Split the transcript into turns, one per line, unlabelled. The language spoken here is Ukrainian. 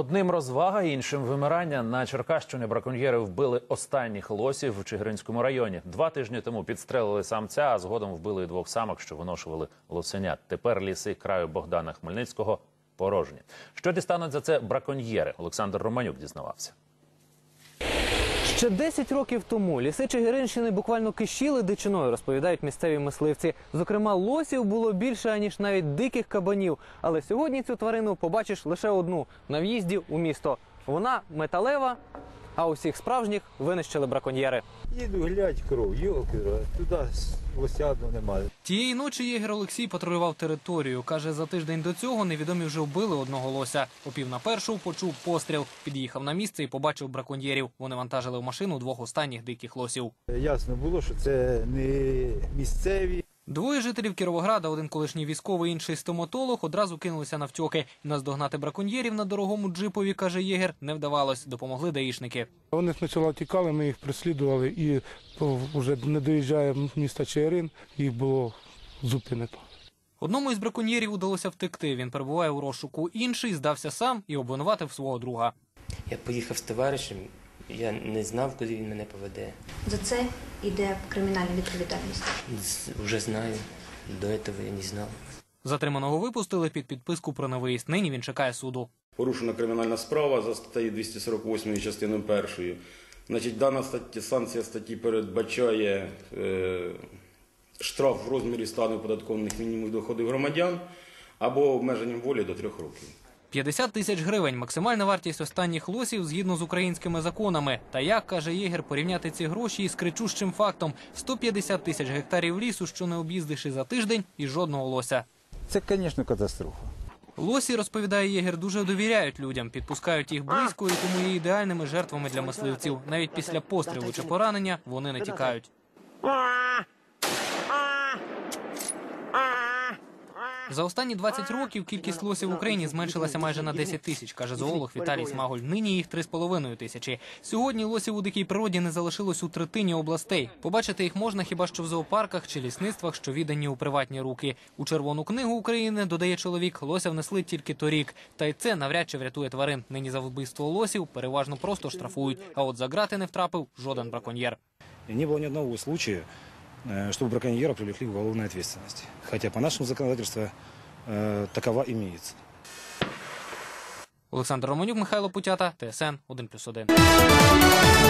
Одним розвага, іншим вимирання. На Черкащині браконьєри вбили останніх лосів в Чигиринському районі. 2 тижні тому підстрелили самця, а згодом вбили і 2 самок, що виношували лосенят. Тепер ліси краю Богдана Хмельницького порожні. Що дістануть за це браконьєри? Олександр Романюк дізнавався.
Ще 10 років тому ліси Чигиринщини буквально кишіли дичиною, розповідають місцеві мисливці. Зокрема, лосів було більше, аніж навіть диких кабанів. Але сьогодні цю тварину побачиш лише одну – на в'їзді у місто. Вона металева, а усіх справжніх винищили браконьєри.
Їду глядь кров, йолки, туди лосядного немає.
Тієї ночі єгер Олексій патрулював територію. Каже, за тиждень до цього невідомі вже вбили одного лося. О 12:45 почув постріл. Під'їхав на місце і побачив браконьєрів. Вони вантажили в машину 2 останніх диких лосів.
Ясно було, що це не місцеві.
2 жителів Кіровограда, один колишній військовий, інший стоматолог, одразу кинулися навтьоки. Наздогнати браконьєрів на дорогому джипові, каже єгер, не вдавалось. Допомогли даїшники.
Вони спочатку тікали, ми їх преслідували і вже не доїжджає міста Чигирин, їх було зупинено.
Одному із браконьєрів удалося втекти. Він перебуває у розшуку. Інший здався сам і обвинуватив свого друга.
Я поїхав з товаришем, я не знав, куди він мене поведе.
За це йде кримінальна відповідальність.
Вже знаю, до цього я не знав.
Затриманого випустили під підписку про невиїзд. Нині він чекає суду.
Порушена кримінальна справа за статтею 248 частиною 1. Значить, дана санкція статті передбачає штраф в розмірі стану оподаткованих мінімумів доходів громадян або обмеженням волі до 3 років.
50 тисяч гривень – максимальна вартість останніх лосів згідно з українськими законами. Та як, каже єгер, порівняти ці гроші із кричущим фактом – 150 тисяч гектарів лісу, що не об'їздиш і за тиждень, і жодного лося.
Це, звісно, катастрофа.
Лосі, розповідає єгер, дуже довіряють людям, підпускають їх близько і тому є ідеальними жертвами для мисливців. Навіть після пострілу чи поранення вони не тікають. За останні 20 років кількість лосів в Україні зменшилася майже на 10 тисяч, каже зоолог Віталій Смаголь. Нині їх 3,5 тисячі. Сьогодні лосів у дикій природі не залишилось у третині областей. Побачити їх можна хіба що в зоопарках чи лісництвах, що віддані у приватні руки. У Червону книгу України, додає чоловік, лося внесли тільки торік. Та й це навряд чи врятує тварин. Нині за вбивство лосів переважно просто штрафують. А от за грати не втрапив жоден браконьєр.
Не было ни одного случая, чтобы браконьера привлекли к уголовной ответственности. Хотя по нашему законодательству такова имеется.
Олександр Романюк, Михайло Путята, ТСН 1+1.